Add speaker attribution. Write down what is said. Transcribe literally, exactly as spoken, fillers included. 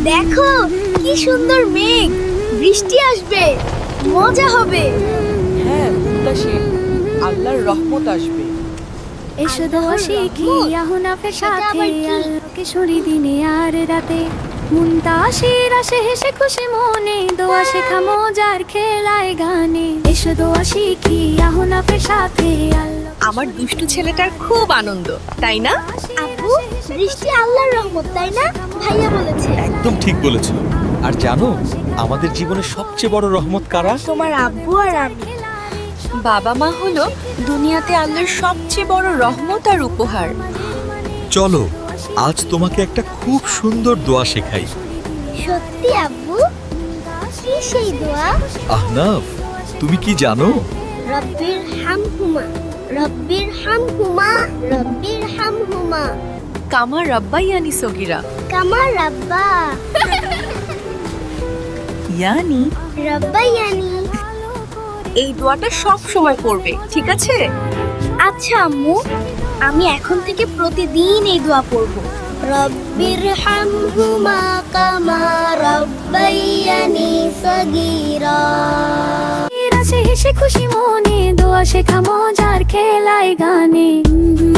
Speaker 1: দেখো কি সুন্দর মেঘ, বৃষ্টি আসবে, মজা হবে।
Speaker 2: হ্যাঁ মুনতাসির, আল্লাহর রহমত আসবে।
Speaker 3: এসো দোয়া শিখি আহুনাফের সাথে আল্লাহকে সরি দিনে আর রাতে মুনতাসির আসে হেসে খুশি মনে দোয়া শেখা মজার খেলায় গানে এসো দোয়া শিখি আহুনাফের সাথে আল্লাহ।
Speaker 4: আমার দুষ্টু ছেলেটার খুব আনন্দ, তাই না?
Speaker 1: আপু, বৃষ্টি আল্লাহর রহমত, তাই না? ভাইয়া বলেছে।
Speaker 5: একদম ঠিক বলেছো। আর জানো আমাদের জীবনের সবচেয়ে বড় রহমত কারা?
Speaker 1: তোমার আব্বু আর আমি।
Speaker 4: বাবা মা হলো দুনিয়াতে আল্লাহর সবচেয়ে বড় রহমত আর উপহার।
Speaker 5: চলো আজ তোমাকে একটা খুব সুন্দর দোয়া শেখাই।
Speaker 1: সত্যি আব্বু? কি সেই দোয়া?
Speaker 5: আহনাফ, তুমি কি জানো?
Speaker 1: রব্বির হামহুমা, রব্বির হামহুমা, রব্বির হামহুমা
Speaker 4: কামা রাব্বাইয়ানি সগীরা,
Speaker 1: কামা রাব্বা
Speaker 4: ইয়ানি।
Speaker 1: রাব্বায়ানি।
Speaker 4: এই দোয়াটা সব সময় করবে, ঠিক আছে?
Speaker 1: আচ্ছা আম্মু, আমি এখন থেকে প্রতিদিন এই দোয়া পড়ব। রব্বির হামহুমা কামা রাব্বায়ানি সগীরা।
Speaker 3: আসে হেসে খুশি মনে দোয়া শেখা মজার খেলায় গানে